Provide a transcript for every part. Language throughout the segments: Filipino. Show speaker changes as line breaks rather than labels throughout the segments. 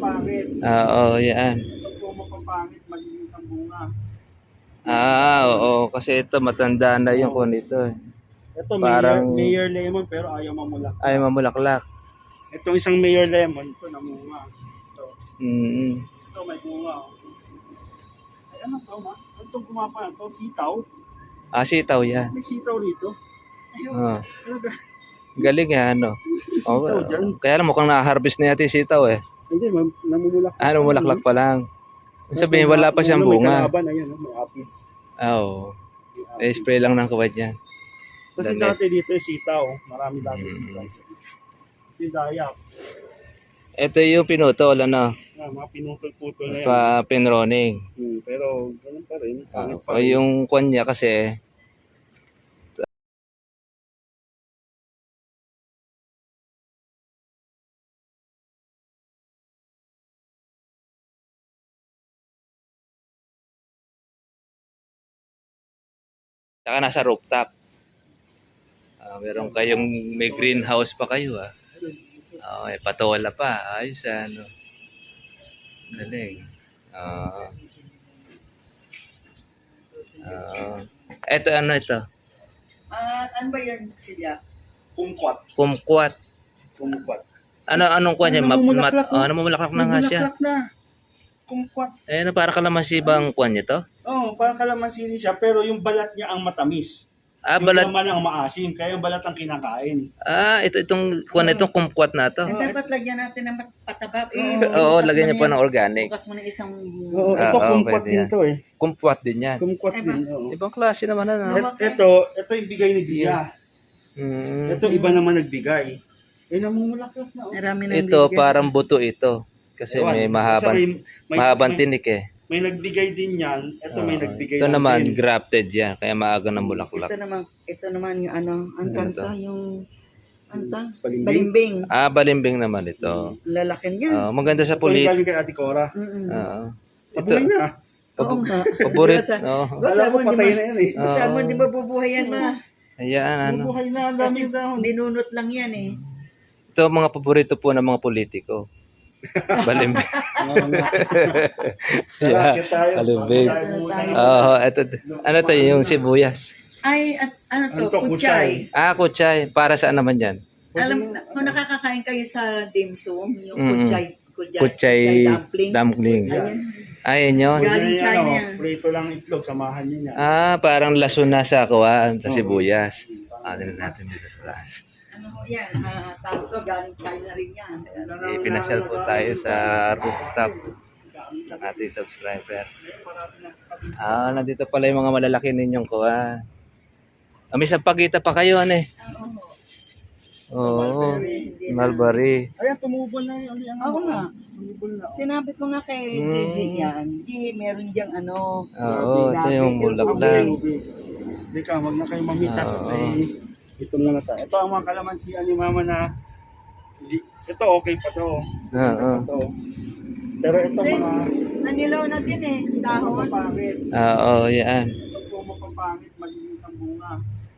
mapapangit.
Oo, yan.
Ito po mapapangit, maliliit ang bunga.
Oo, kasi ito matanda na yung kun ito eh.
Ito,
Parang
Mayor Lemon pero ayaw mamulak.
ay mamulaklak.
Itong isang Mayor Lemon, ito namunga. Ito,
Mm.
ito may bunga. Ay, ano to, ma? Ano itong gumapa na to? Sitaw?
Sitaw yan.
May sitaw rito. Ayun, talaga.
Galing yan, ano.
Sitaw dyan.
Kaya lang mukhang na-harvest na yata yung sitaw eh.
Hindi, namumulak.
Namulaklak pa lang. Sabihin, wala pa siyang bunga.
May kalaban, ayan, may aphids.
Oo. Spray lang ng kawad yan.
Kasi
Dali.
dati dito yung sitaw. Marami dati sitaw. Ito yung dayak.
Ito yung pinutol, ano.
Mga pinutol-putol na yan.
Pinroning.
Pero ganun pa rin. Pangit pa
O
rin.
yung kwan niya kasi, saka nasa rooftop. Meron kayong may greenhouse pa kayo patola pa. Ayos ano. Galing. Ito ano ito?
Ano ba yan sila?
Kumquat.
Kumquat.
Kumquat.
Anong kwan niya? Namumulaklak na nga siya.
Namumulaklak na. Kumquat.
Para kalamansi bang kwan niya to?
Oo, parang kalamansi siya pero yung balat niya ang matamis. Yung
Balat.
laman ang maasim, kaya yung balat ang kinakain.
Itong kwan itong kumquat na to.
Dapat lagyan natin ng pataba.
Oo, lagyan niyo pa ng organic.
Bukas mo na isang...
Oo, ito kumquat
pwede
din
yan.
to eh.
Kumquat din yan.
Kumquat din, oo.
Ibang klase naman ano.
Ito yung bigay ni Gia.
Mm.
Ito iba naman nagbigay. Namumulaklak na.
Marami na
Ito parang buto ito. Kasi may mahabang tinik eh.
May nagbigay din yan. Ito may nagbigay
Ito naman
din.
grafted yan. Kaya maaga ng bulaklak.
Ito naman yung ano, ang kanta, yung anta,
Balimbing.
balimbing.
Balimbing naman ito.
Lalakin niya.
Maganda sa
Ito yung
pulit.
galing kay Ate Cora. Pabuhay na.
Oo nga.
Paborit.
Alam ko patay na yan eh.
Basta mo, di ba bubuhay yan ma?
Ayan, ano.
Bubuhay na. Ang dami dahon.
Ninunot lang yan eh.
Ito mga paborito po ng mga politiko. Balimbing.
Kalakit tayo.
Balimbing. Ito. Ano to yung sibuyas?
Ay, at ano to,
Ano to,
kuchay.
Kuchay. Para saan naman yan?
Alam, kung nakakakain kayo sa dim sum, yung
Kuchay dumpling. Ayan yun.
Galing China.
Prito lang itlog, samahan niya.
Parang laso na sa sa sibuyas. Tingnan natin dito sa taas.
Ano ho yan, tawag to, galing China rin yan.
Pinasyal po tayo sa rooftop ng ating subscriber. Nandito pala yung mga malalaki ninyong kuha. May sampagita pa kayo, ano eh. Oo, mulberry.
Ayan, tumubol na yun.
Oo nga.
Tumubol na.
Sinabi ko nga kay Gigi yan, Gigi, meron diyang ano.
Ito yung bulaklak.
Hindi ka, wag na kayo mamitas. Ito muna tayo. Ito ang mga kalamansian ni Mama na ito okay pa to. Pero ito mga
Nanilaw na din eh, dahon.
mapapangit.
Yan.
Ito po mapapangit, maliliit ang bunga.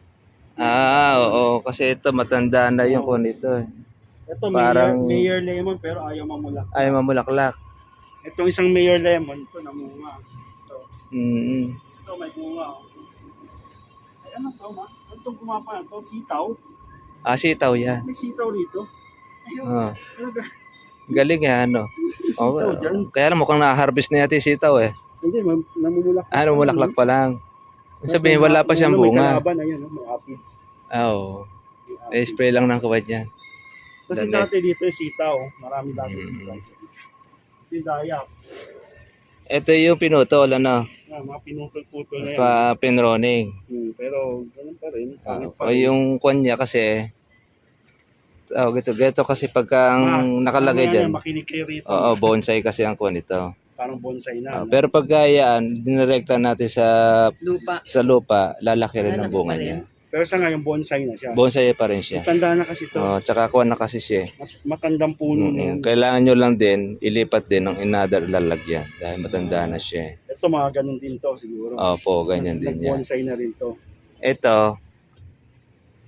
Kasi ito matanda na yung kun ito eh.
Ito
Parang
Mayor Lemon pero ayaw mamulak.
ay mamulaklak.
Itong isang Mayor Lemon, ito namunga. Ito. Ito may bunga. Ay, ano to, ma? Ano itong gumapa na to? Sitaw?
Sitaw yan.
May sitaw rito. Ayun, talaga.
Galing yan, ano.
Sitaw dyan.
Kaya lang mukhang na-harvest na yata yung sitaw eh.
Hindi, namumulak.
Namulaklak pa lang. Sabihin, wala pa siyang bunga.
May kalaban, ayan, may aphids.
Spray lang ng kawad yan.
Kasi
Dali.
dati dito yung sitaw. Marami dati sitaw. Ito yung dayak.
Ito yung pinutol, ano.
Mga pinutol-putol na yan.
Pinroning.
Pero ganun pa rin. Pangit pa
O
rin.
yung kwan niya kasi, ganito kasi pagka ang nakalagay
Ano yan,
dyan,
makinig kayo rito.
bonsai kasi ang kwan ito.
Parang bonsai na.
Pero pag yan, dinirekta natin
Lupa.
sa lupa, lalaki rin ang
Lalaki
bunga
pa rin.
niya.
Pero sa ngayon, bonsai na siya.
Bonsai pa rin siya.
Matanda na kasi to.
Tsaka kwan na kasi siya.
Matandang puno na.
Kailangan nyo lang din, ilipat din ng another lalagyan dahil matanda na siya.
Ito mga ganun din to siguro.
Opo, ganyan din yan.
Nag-bonsai na rin to.
Ito,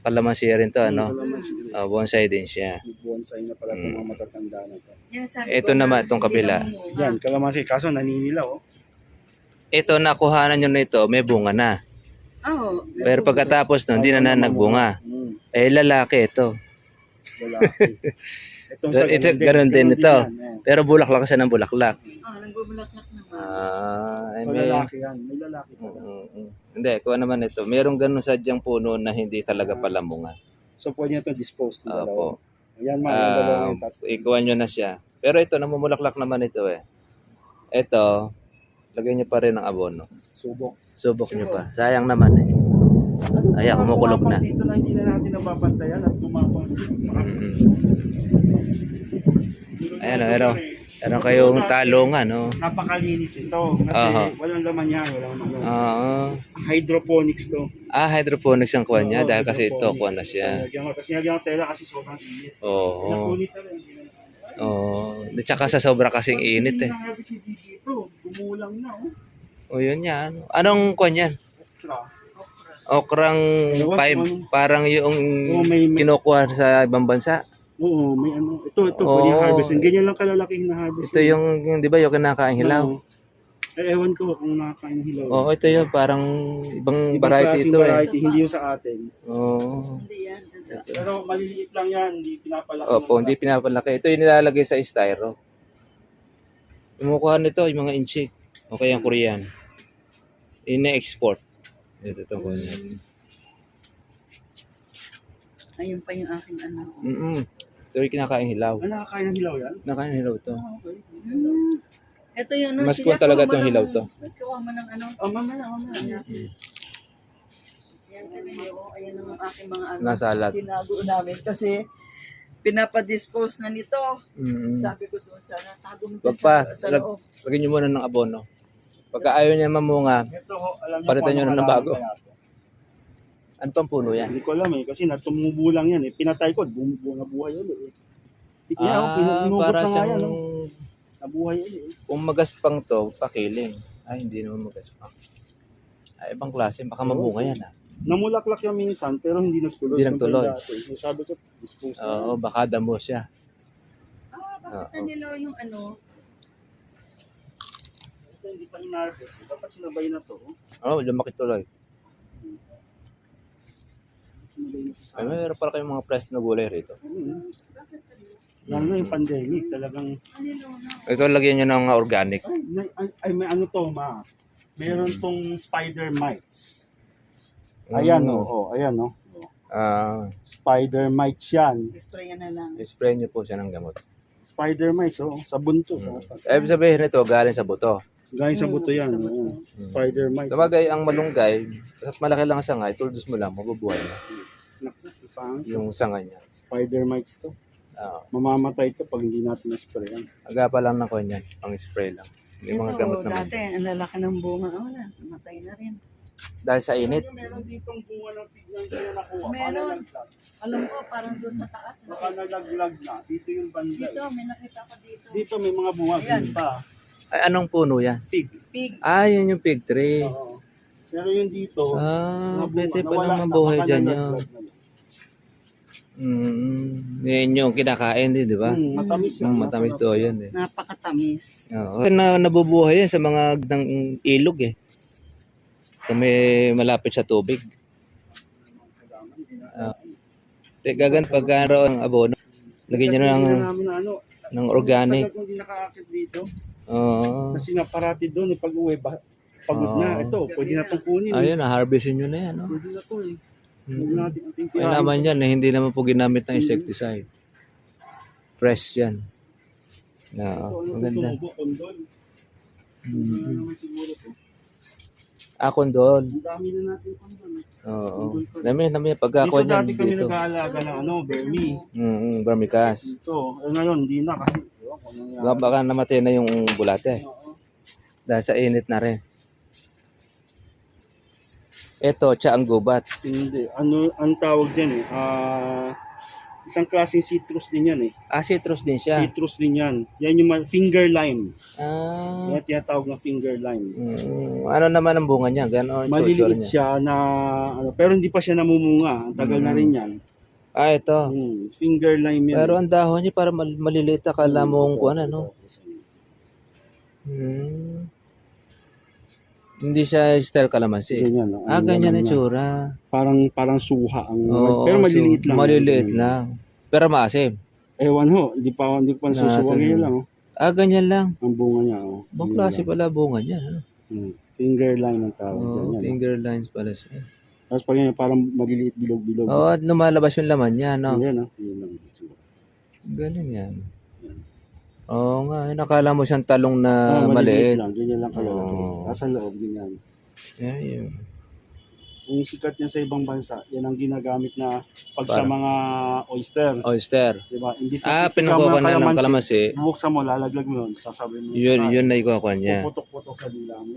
Kalamansi rin to, ano?
Kalamansi.
Bonsai din siya.
Bonsai na pala itong mga matatanda na to.
Yan, sabi
Ito
ko
naman,
nga,
itong
hindi
kabila.
namunga.
Yan, kalamansi. Kaso naninilaw. Oh.
Ito, nakuhanan nyo na ito, may bunga na.
Oo.
Pero pagkatapos nun, hindi na nagbunga. Eh, lalaki ito.
Lalaki. Itong sa
Ito,
ganun
ganun din ito.
yan, eh.
Pero bulaklak siya ng bulaklak.
Nagbubulaklak naman.
So,
May...
lalaki yan. May lalaki pala.
Hindi, kuha naman ito. Merong ganun sadyang puno na hindi talaga palamungan.
So, pwede na ito dispose ng dalawa.
Opo.
Yan, mga yung dalawa yung tatlo.
Ikuha nyo na siya. Pero ito, namumulaklak naman ito eh. Ito, lagyan nyo pa rin ng abono.
Subok.
Subok nyo pa. Sayang naman eh. Ayan, kumukulog na.
Dito na hindi na natin nababantayan at tumapang.
Ayan, meron kayong talungan, no?
Napakalinis ito. Kasi walang laman yan. Walang ano. Hydroponics to.
Hydroponics ang kuha niya
Oo,
dahil kasi ito
hydroponics.
kuha na siya.
Tapos nilagyan ng tela kasi sobrang init.
Oo.
Nakunit na rin.
At saka sa sobra kasing init eh.
Hindi na-harvest ni Gigi ito. Gumulang na.
Yun yan. Anong kuha niyan?
Okra.
Okrang 5, parang yung
may-
kinukuha sa ibang bansa.
Oo, may ano. Ito, pwede harvestin. Ganyan lang kalalaki hinaharvest.
Ito yung di ba yung kinakain hilaw?
Oo. Ewan ko kung nakakain ng hilaw.
Oo, ito yung parang ibang
Ibang
variety
klaseng
ito eh.
variety, hindi yung sa atin.
Oo.
Hindi yan. dun sa-
Pero maliliit lang yan, hindi pinapalaki.
Opo, hindi pinapalaki. Ito yung nilalagay sa styro. Kumukuha nito yung mga inchi. O kaya yung Korean. Ina-export. Ito ko natin.
Ayun pa yung aking ano.
Ito yung kinakain hilaw.
Nakakain ng hilaw yan?
Nakain hilaw to.
Okay.
Ito yung ano.
Mas cool talaga itong hilaw to.
Kuha mo ng ano.
Mamaya.
Yan talaga. Ayan ang aking mga ano.
Nasalat.
Tinago namin kasi pinapadispose na nito.
Mm-mm.
Sabi ko doon sana tago mo
Wag pa.
sa loob.
Lagyan nyo muna ng abono. Pagka ayaw niya mamunga,
Ito ho, alam niyo
palitan
kung
nyo na
ano
ng bago.
kaya to.
Ano pang puno yan?
Hindi ko alam eh, kasi natumubo lang yan eh. Pinatay ko, nabuhay ulit eh. Inugot
Para
na nga yan.
siyang
Oh. Nabuhay ulit eh.
kung magaspang to, pakiling. Hindi naman magaspang. Ibang klase, baka mamunga yan
Namulaklak yan minsan, pero hindi nagtuloy.
Hindi nagtuloy.
Sabi ko, dispose na.
Oo, baka damo siya.
Bakit nila yung ano?
Ito hindi pa in-harvest. Dapat sinabay na to.
Lumaki tuloy.
Sinabay na to sa
Meron pala kayong mga pressed na gulay rito.
Lalo na yung pandemic, talagang,
Ito, lagyan nyo ng organic.
ay may ano to, ma. Meron tong spider mites. Ayan ayan Spider mites yan.
Sprayan na lang.
Spray nyo po siya ng gamot.
Spider mites, sabon to.
Ibig sabihin nito, galing sa buto.
Galing sa buto yan. Spider mites.
Sabagay, ang malunggay, at malaki lang ang sangay, tuldos mo lang, mabubuhay na yung sangay niya.
Spider mites to. Mamamatay to pag hindi natin na-sprayan.
Aga pa lang na ko niyan, pang spray lang. May mga gamot naman.
Dati, ang lalaki ng bunga. Wala, namatay na rin.
Dahil sa init.
Meron ditong bunga ng pig na hindi na nakuha.
Meron. Alam ko, parang doon sa taas.
Baka nalaglag na. Dito yung banda.
Dito, may nakita ko dito.
Dito may mga bunga.
Ayan.
Dito.
Ay, anong puno yan?
Pig.
Pig.
Yan yung fig tree.
Oo. Pero yung dito, mga bunga,
Pwede pa
nawala
naman
na,
buhay
baka
dyan yun.
nalaglag na.
Yan yung kinakain din, di ba?
Matamis yan.
Matamis to yan eh.
Napakatamis.
Oo. Nabubuhay yan sa mga ng ilog eh. Sa may malapit sa tubig. Gagan pagkaro ang abono. Lagyan nyo ng organic.
Tagal kong hindi nakakakit dito.
Oo.
Kasi nga parati doon, pag uwi, pagod na. Ito, pwede na itong kunin.
Ayun, na-harvestin nyo na yan. No?
Pwede na ito eh. Huwag natin ating
Ay naman yan, hindi naman po ginamit ng insecticide. Fresh yan. Maganda.
Kondol. Naman siguro to.
Kondol.
Ang dami na natin kondol.
Oo. Dami pagkakuha
Dito
niyan
dati kami
dito.
nag-aalaga ng Bermi.
Vermicast.
Ito. Ngayon, hindi na kasi.
Baka namatay na yung bulate. Dahil sa init na rin. Ito, ang gubat.
Hindi. Ano ang tawag dyan eh? Isang klaseng citrus din yan eh.
Citrus din siya.
Citrus din yan. Yan yung finger lime.
Ah.
Yan tinatawag na finger lime.
Ano naman ang bunga niya? Ganon ang tsura
Maliliit
niya.
siya na, pero hindi pa siya namumunga. Ang tagal na rin yan.
Ito.
Finger lime yan.
Pero ang dahon niya para maliliit. Akala mong kung ano, no? Hindi siya style kalamansi.
Ganyan, no?
Ganyan ang tsura.
Parang suha.
Oo,
pero maliliit lang.
Maliliit lang. Pero maasim.
Ewan ho, hindi pa nasusuwa ngayon lang.
Ganyan lang.
Ang bunga niya.
Bang klase pala bunga niya.
Finger lime ang tawag dyan.
Finger lines pala siya.
Tapos pag yan, parang maliliit bilog-bilog.
At lumalabas yung laman niya, no?
Yan, yun lang.
Galing yan. Oo nga, nakala mo siyang talong na maliit.
Lang, ganyan lang kalalaki. Nasa loob, ganyan.
Yun.
Yung sikat yan sa ibang bansa, yan ang ginagamit na pag sa mga oyster.
Oyster.
Diba? Imbis na
Pinukuha na ng kalamansi.
bubuksan mo, lalaglag mo yun, sasabihin mo.
Yun na ikuha niya.
Puputok-putok sa dila mo.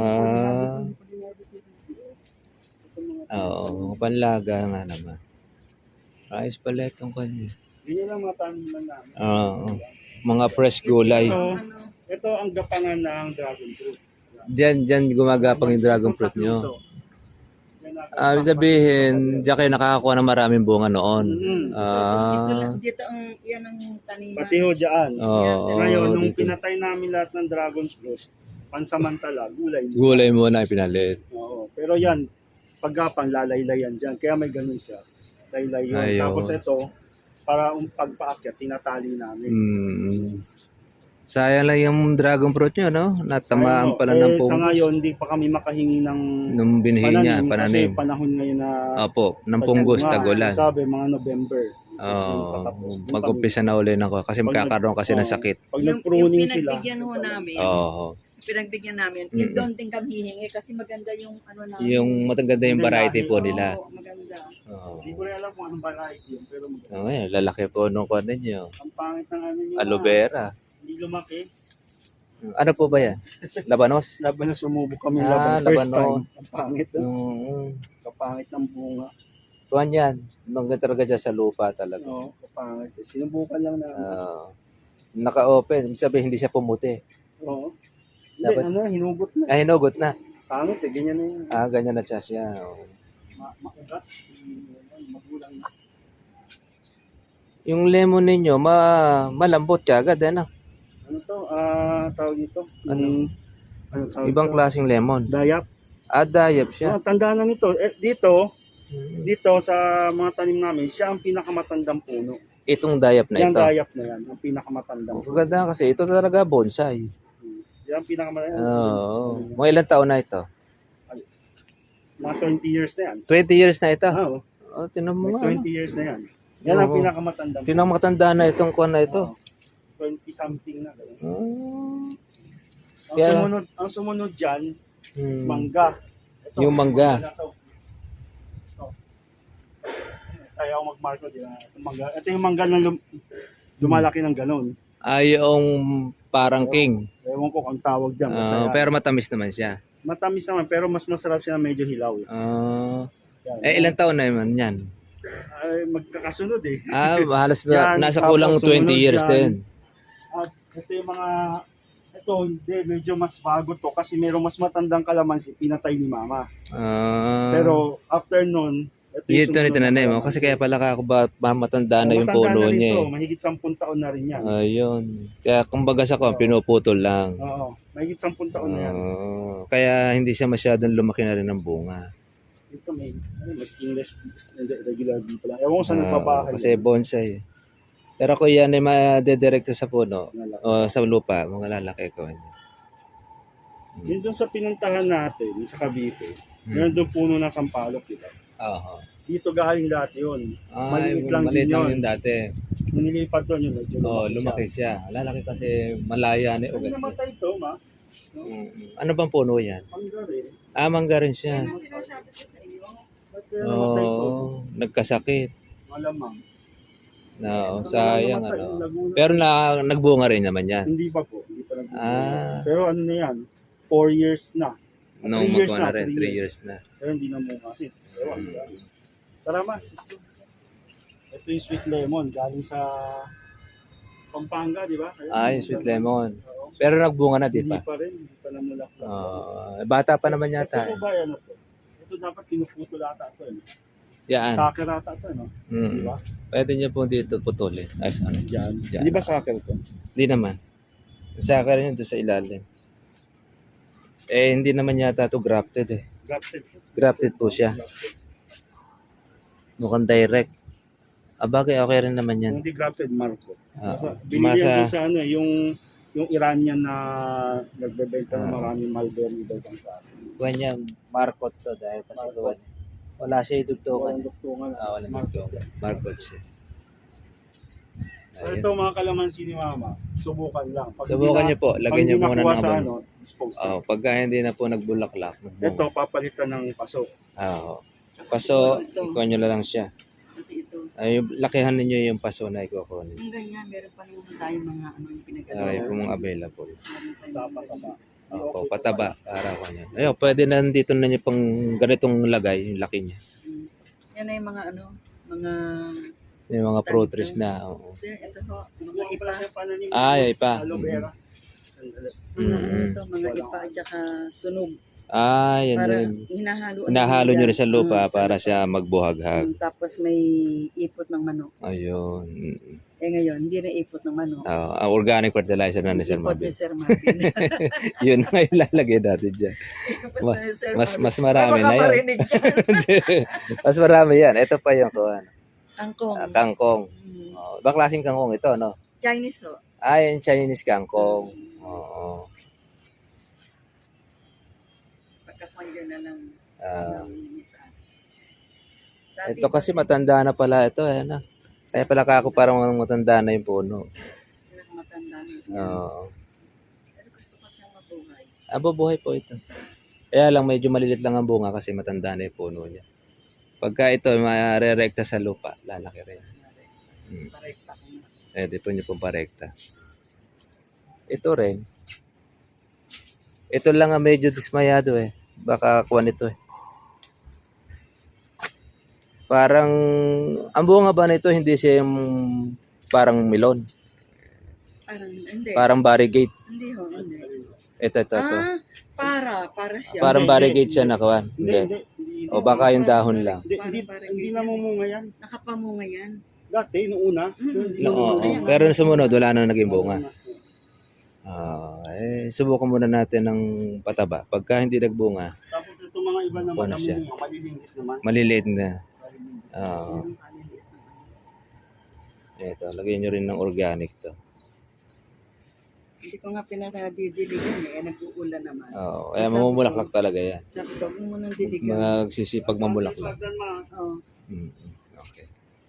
Oo, panlaga nga naman. Ayos pala itong kanya.
Ganyan lang mga taniman namin.
Oo. Mga fresh gulay.
Ito ang gapangan ng dragon fruit.
Diyan gumagapang yung dragon fruit nyo. Ibig sabihin, diyan kayo nakakakuha ng maraming bunga noon.
Dito ang yan ang taniman.
Pati ho dyan. Ngayon, nung
dito.
pinatay namin lahat ng dragon fruit, pansamantala, gulay.
Gulay muna ipinalit.
Oo. Pero yan, paggapang lalaylayan dyan. Kaya may ganun siya. Laylay yun.
Ayun.
Tapos ito, para pagpaakyat, tinatali namin.
Sayang lang yung dragon fruit nyo, no? Natamaan pala ng
Sa
punggos.
ngayon, hindi pa kami makahingi ng
Nung binihin niya,
Kasi
pananim.
panahon ngayon na
Ng punggos, tagulan.
sabi, mga November.
Mag-umpisa na uli na ko kasi magkakaroon kasi ng sakit.
Pag
Yung
nag-pruning sila.
pinagbigyan ho namin, pinagbigyan namin, doon din kami hihingi kasi maganda yung ano namin.
Yung mataganda yung variety po nila.
Oo, maganda.
Hindi ko rin alam kung anong variety yun, pero maganda.
Lalaki po nung kuwan ninyo.
Ang pangit ng ano nyo.
Aloe vera.
Hindi lumaki.
Ano po ba yan? Labanos?
Laban na sumubok kami laban. First
labanon.
time. Ang pangit. Kapangit ng bunga.
Kuwan yan. Mangga talaga dyan sa lupa talaga.
Oo, kapangit. Sinubukan lang na.
Naka-open. Sabi hindi siya pumuti.
Oo. Hindi, hinugot na.
Hinugot na.
Pangit ganyan na yun.
Ganyan na siya.
Makugat. Magulang na.
Yung lemon ninyo, malambot ka agad, ano?
Ano to? Tawag dito?
Ano?
Tawag
Ibang
dito?
klaseng lemon.
Dayap.
Dayap siya.
Tandaan na nito. Dito sa mga tanim namin, siya ang pinakamatandang puno.
Itong dayap na
Yan
ito.
dayap na yan, ang pinakamatandang puno.
Maganda kasi ito talaga bonsai.
Yan ang pinakamatandang.
Mga ilang taon na ito?
Mga 20 years na yan.
20 years na ito? Tinan mo
May
nga.
20 years na yan. Yan ang pinakamatandang.
Pinakamatanda na itong kuwan na ito.
20 something na.
Kaya-
Ang sumunod dyan, mangga. Ito,
Yung mangga.
na to. Ito. Kaya ako mag-marko din. Ito yung mangga na lumalaki ng ganun.
Yung parang king.
Ewan ko kung tawag dyan. Basta yan.
Pero matamis naman siya.
Matamis naman, pero mas masarap siya na medyo hilaw. Yan.
Ilang taon na naman yan?
Ay, magkakasunod eh.
Halos
Yan,
nasa
tapos
kulang 20
sumunod
years
yan.
din.
At ito yung mga, hindi, medyo mas bago to kasi merong mas matandang kalamansi, pinatay ni mama. Pero after nun,
Ito na tinanim mo. Kasi kaya pala ako matanda na yung puno niya.
Mahigit 10 taon na rin yan.
Ayun. Kaya kumbaga sa ko, pinuputol lang.
Oo, mahigit 10 taon na yan.
Kaya hindi siya masyadong lumaki na rin ng bunga.
Ito may stainless, regular bee pala. Ewan ko saan nagpabahay.
Kasi bonsai. Pero kung yan ay madedirekto sa puno o sa lupa, mga lalaki ko.
Yun doon sa pinuntahan natin, sa Cavite, meron doon puno ng sampalok, diba? Dito galing lahat yun. Maliit lang din yun.
Yung dati.
Nung nilipat doon yun, medyo
lumaki siya. Lalaki kasi malaya na
Kasi
ugat.
namatay ito, ma.
Ano bang puno yan?
Mangga rin.
Mangga rin siya.
Ano sinasabi ko sa iyo?
Ba't kaya namatay ito?
Nagkasakit.
Malamang.
Sayang
Namatay,
ano.
Laguna.
Pero nagbunga rin naman yan.
Hindi pa po. Hindi pa nag
Pero
ano na yan, 4 years na.
nung
3 years
magkuha na rin, 3 years na.
Pero hindi na mo kasi. Ewan. Tara ma. Ito yung sweet lemon, galing sa Pampanga, di ba?
Yung sweet lemon.
Oo.
Pero nagbunga na, di
Hindi
pa?
pa rin, hindi pa namulak.
Bata pa naman
Ito
yata.
po ba yan? Ito dapat pinuputol ata ito.
Yan.
Saker ata ito, no? Di ba?
Pwede niyo po dito putulin. Ay, ano?
Diyan.
Diyan.
Di ba saker ito?
Hindi naman. Sa akin yun doon sa ilalim. Hindi naman yata ito grafted eh.
Grafted.
Grafted po siya.
Grafted.
Mukhang direct. Bagay, okay rin naman yan.
Kung di grafted, Marco. Binili
Masa,
yan doon sa ano, yung Iranian na nagbebenta ng maraming mulberry daw ang klase.
kuwan niya, markot to dahil kasi kuwan. Wala siya idugtungan.
Walang duktungan.
Walang dugtungan. Markot siya.
So ito mga kalamansi ni Mama, subukan lang. Pag
Subukan
hindi
niyo po, lagyan niyo muna
nakuha
ng
sa
abono.
dispose na.
Pagka hindi na po nagbulaklak.
Ito, papalitan ng paso.
Paso, ikuha niyo lang siya.
Ito.
Yung lakihan ninyo yung paso na ikukunin.
Yung ganyan, meron pa naman tayong mga yung pinagagawa.
Ay, kung available.
Sa pataba.
Opo, pataba para ko niya. Ayun, pwede na dito na niyo pang ganitong lagay, yung laki niya.
Yan ay mga mga
Yung mga pro trees na. Oo.
ito ho, mga ipa.
Ay, pa.
Aloe vera.
Ito, mga ipa at saka sunog.
Yan
Para
yun.
hinahalo
Hinahalo nyo rin sa lupa
sa
para
lupa.
siya magbuhaghag.
Tapos may ipot ng manok.
Ayun.
Ngayon, hindi na ipot ng manok.
Ang organic fertilizer na ni Sir
Ipot ni
Mabel.
Sir Marvin.
Yun ang ilalagay natin dyan.
Ipot ni Sir
Mas
Marvin.
marami
Ay,
na yun.
makaparinig yan.
Mas marami yan. Ito pa yung kuwan.
Kangkong.
Kangkong.
Mm.
Ibang klaseng kangkong ito, no?
Chinese ho.
Yung Chinese kangkong. Oo.
Pagka-conjure na lang.
Ito kasi matanda na pala ito. No? Kaya pala ako parang matanda na yung puno.
Matanda na.
Oo.
Pero gusto ko siyang mabuhay.
Bubuhay po ito. Kaya lang medyo malilit lang ang bunga kasi matanda na yung puno niya. Pagka ito marerekta sa lupa, lalaki rin.
Parekta ko na.
Pwede po niyo pong parekta. Ito rin. Ito lang ang medyo dismayado eh. Baka kuha nito eh. Parang, ang bunga ba nito hindi siya yung parang melon?
Parang, hindi.
Parang variegate.
Hindi ho, hindi.
Ito.
Para siya.
Parang variegate siya na kuwan. Hindi. O baka yung dahon lang.
Hindi namumunga yan.
Nakapamunga yan.
Dati, noong una.
Oo. Pero nung sumunod, wala na naging bunga. Subukan muna natin ng pataba. Pagka hindi nagbunga,
Tapos itong mga iba naman
Ano siya?
namumunga, maliliit naman.
maliliit na. Ito, lagyan nyo rin ng organic to.
Hindi ko nga pinadidiligan nag-uulan naman.
Kaya mamumulaklak talaga yan.
Sabi ko, huwag mo nang diligan.
Magsisipag mamulaklak.
Oo.
Okay.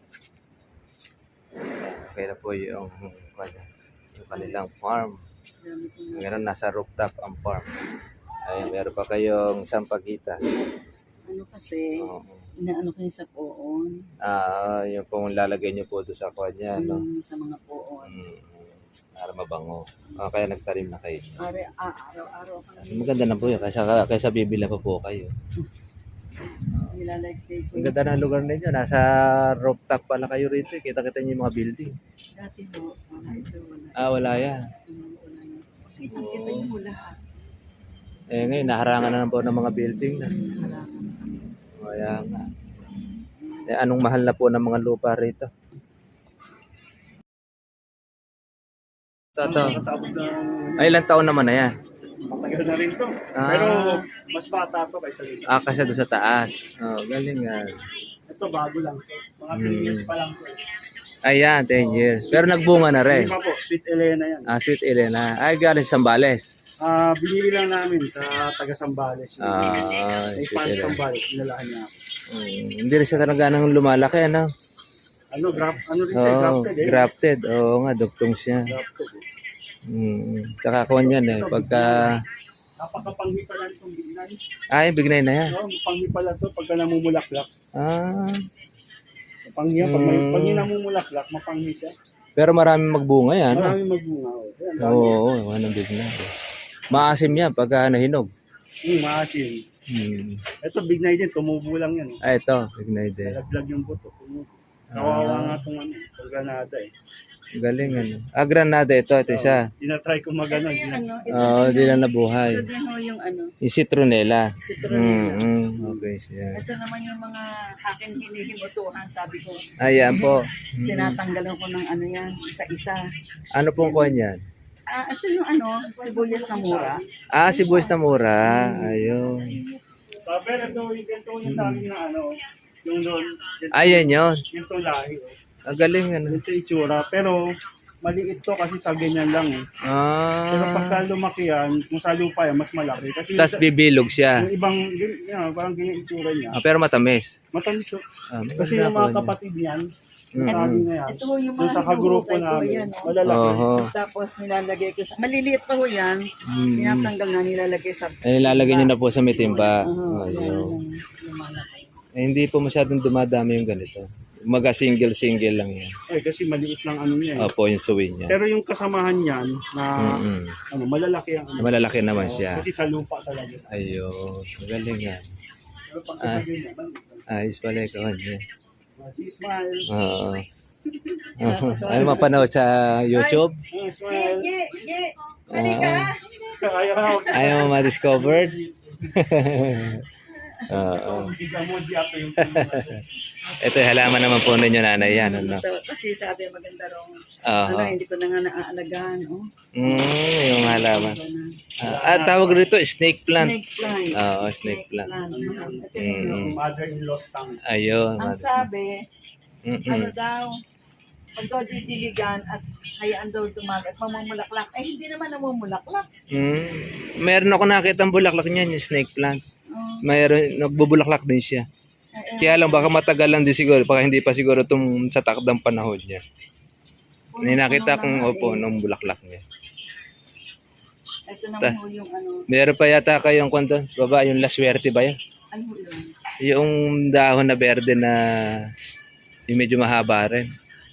Okay na po yung kanilang farm. Ngayon nasa rooftop ang farm. Meron pa kayong sampagita.
Ano kasi, inaano ko yung sa poon.
Yung pong lalagay nyo po doon sa kanya, no?
Sa mga poon.
Para mabango. Kaya nagtarim na kayo.
Araw-araw kami
Maganda na po yun. Kaysa bibila pa po kayo.
nilalagay ko.
Ang ganda ng lugar ninyo. Nasa rooftop pala kayo rito. Kita-kita nyo yung mga building.
Dati ho, wala ito, wala.
Wala yan.
Kita nyo mo lahat.
Ngayon, naharangan na po ng mga building na.
Harangan.
Kaya nga. Anong mahal na po ng mga lupa rito? Ito. Ilang taon naman na yan?
Matagal na rin to. Pero mas bata to kaysa isa.
Kasi doon sa taas. Galing nga.
Ito bago lang. Mga 3 years pa lang.
Ayan, 10 years. Pero nagbunga na rin.
Hindi pa po, Sweet Elena yan.
Sweet Elena. Galing sa Sambales.
Binili lang namin sa taga Sambales. May
Sweet
fan
Elena.
Sambales, pinalahan niya ako.
Hindi rin siya talaga nang lumalaki, ano?
Ano rin siya, grafted eh.
Grafted. Oo nga, duktong siya.
Grafted eh.
Kakakuan yan eh. Pagka...
Napakapanghi pala itong bignay.
Bignay na yan.
Panghi pala to pagka namumulaklak. Panghi yan, pag namumulaklak, mapanghi siya.
Pero maraming magbunga yan.
Maraming magbunga.
Oo, anong bignay. Maasim yan pagka nahinog.
Maasim. Ito bignay din, tumubo lang yan.
Ito, bignay din.
Nalaglag yung buto. Kawawa nga itong ano, itong Granada eh.
Galing ano. Granada ito isa.
Tinatry ko magano.
Ito yung ano, ito
Oo,
din
di na
yung-
nabuhay.
Ito din ho yung ano,
Yung citronella.
citronella.
Okay siya.
Ito naman yung mga aking hinihimutuhan, sabi ko.
Ayan po.
Tinatanggalan ko ng ano yan, isa-isa.
Ano pong kuha niyan?
Ito yung ano, sibuyas na mura.
Sibuyas na mura. Ayun.
Pero ito, ganito yung sa akin na ano, yung doon,
Ayan yun.
ganito lahi.
Galing ano.
Ganito yung itsura. Pero maliit to kasi sa ganyan lang eh. Pero pagka lumaki yan, kung sa lupa yan, mas malaki. Kasi
Tapos bibilog siya.
yung ibang, parang ganyan yung itsura niya.
Pero matamis.
Matamis.
Maganda
Kasi yung
po
mga
niya.
kapatid niyan,
Mm.
sabi na yan.
Ito ho yung
Doon
mga
sa kagrupo
hinuhukay ko,
namin,
yan, oh.
malalaki.
Oho.
Tapos nilalagay ko sa, maliliit pa ho yan. Tinatanggal na nilalagay sa,
Ilalagay niyo na po sa mitimba.
yan,
Ayun.
lumalaki.
Hindi po masyadong dumadami yung ganito. Maga single lang yan.
Kasi maliit lang ano niya eh.
Opo, yung suwi niya.
Pero yung kasamahan niyan, na ano, malalaki ang ano.
Malalaki naman siya.
Kasi sa lupa talaga.
Ayun. Magaling yan.
Pero pag sabi niya,
Ayos pala ikaw niya.
smile.
Oo. Ay, mapanood sa YouTube?
Smile.
Ye! Halika!
Ayaw.
Ayaw mo ma-discovered? Oo.
Emoji ako yung
Ito yung halaman naman po ninyo nanay yan. Ano?
Kasi sabi maganda raw.
Oo.
Hindi ko na nga naaalagaan. Oh.
Yung halaman. Tawag rito, snake plant.
Snake plant.
Oo, snake plant.
Ito yung
mother-in-law's tongue.
Ayun.
ang sabi, ano
Mm-mm.
daw, pag daw didiligan at hayaan daw dumagat, mamumulaklak. Hindi naman namumulaklak.
Meron ako nakita ang bulaklak niyan, yung snake plant.
Oh.
Mayroon, nagbubulaklak din siya. Kaya lang, baka matagal lang din siguro. Baka hindi pa siguro itong sa takdang panahon niya. Nakita kong opo nung bulaklak niya.
Ito naman ho yung ano,
Meron pa yata kayong kwento, baba, yung La Suerte ba yan?
ano ho yun?
Yung dahon na berde na yung medyo mahaba rin.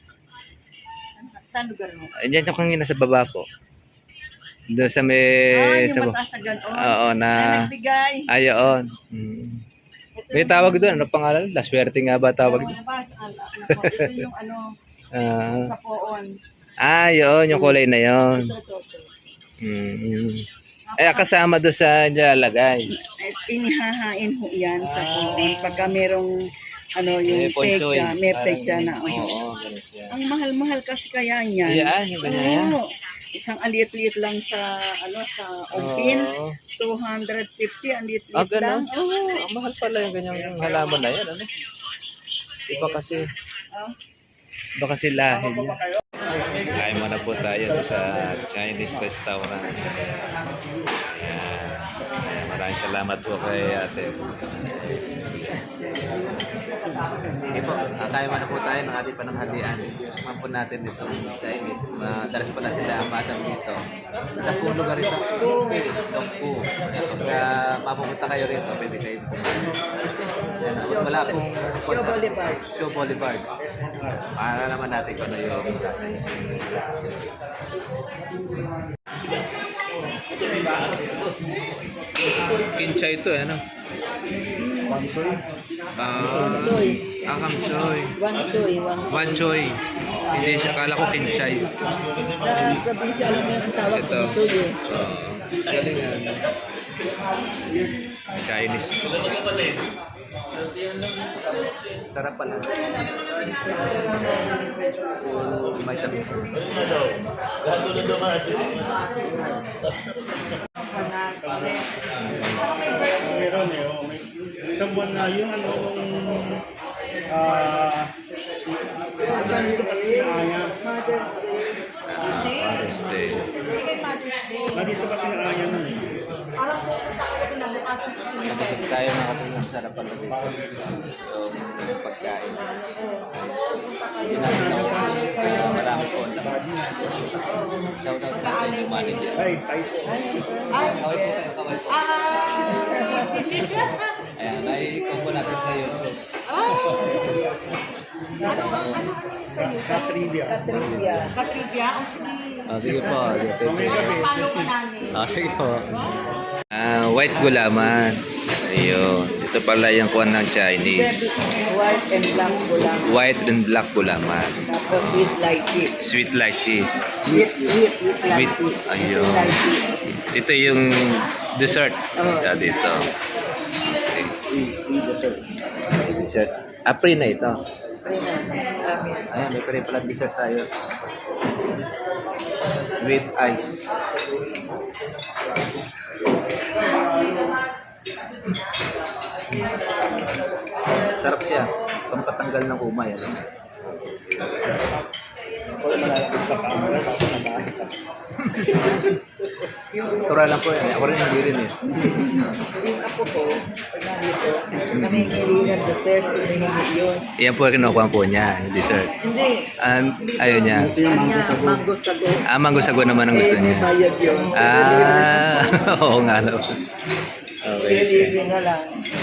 Saan lugar mo?
Ayan yung kanina sa baba po. Doon sa may...
Yung mataas na gano'n.
Oo,
Na nagbigay.
Ayon.
Ito
May
yung-
tawag doon. Ano pangalan? La Suerte nga ba tawag doon?
Ito yung ano, sa poon.
Yun. Yung kulay na yun.
Ito.
Kasama doon sa nilalagay.
Inihahain ho yan sa poon. Pagka merong ano yung
Ponsoy.
pecha, may pecha na.
Oo, ganun siya.
Ang mahal-mahal kasi kaya yan.
Ayan, yung ganyan.
Oo. Isang aliit-liit lang sa ano sa umpin.
Oo.
250 ang liit-liit
Ganun?
lang. Oo.
Ang mahal pala yung ganyang halaman na yan. Ano? Iba kasi. Iba kasi lahi niya. Kain muna po tayo sa Chinese restaurant. Ayan. Maraming salamat po kay ate. Sige po, kakain muna po tayo ng ating pananghalian. Tikman po natin dito Chinese. Madalas pala sila madam dito. Sa po lugar ito. Songpu. Pagka mapupunta kayo rito, pwede kayo pumunta. Wala pong
Show Boulevard.
Show Boulevard. Para naman natin kung ano yung kasi. Kinchay ito eh, ano?
Pansoy.
Wangsoy.
Kamsoy.
Wangsoy.
Wanchoy. Hindi siya, kala ko kinchay.
Na probinsya alam mo ang tawag
Ito.
Wangsoy eh.
Galing yan. Chinese. Sarap pala. May tamis.
Meron eh. May isang buwan na yung ano nung saan ito kasi sinaya.
Father's Day.
Nandito kasi na aya nun eh.
Nabusog tayo mga kapatid. Sarap pala dito. Yung pagkain. Hindi namin ako. Marami po. Shout out natin yung manager.
Ay, tayo po.
Kaway po kayo, kaway po. Ayan, nai-ikaw po natin sa YouTube.
Katrivia.
Katribya.
Sige po.
Mamaya gabi.
Follow ka namin.
Sige po. White gulaman. Ayun. Ito pala yung kuha ng Chinese.
White and black gulaman.
White and black gulaman.
Tapos with lychee.
Sweet like cheese.
With
With,
lychee.
ayun.
Lychee.
Ito yung dessert.
Oo.
Dito.
Free dessert.
Dessert. Pre na ito.
Amin.
Ayan, may pre pala dessert tayo. With ice. Sarap siya. Pampatanggal ng umay. Ano?
Ako yung malalapit sa camera, tapos nabahit ako.
Tura lang po yan. Ako rin hindi rin eh.
Yung ako po, pag nandito, namimili ng dessert, hinihingi yun.
Yan po kinukuha po niya, yung dessert.
Hindi.
Ayun niya.
Ito yung mango
Kanya,
sago.
mango sago.
Mango sago naman ang gusto
Eh, may
niya.
bayad yun.
Oo nga. Okay.
Delivery na lang.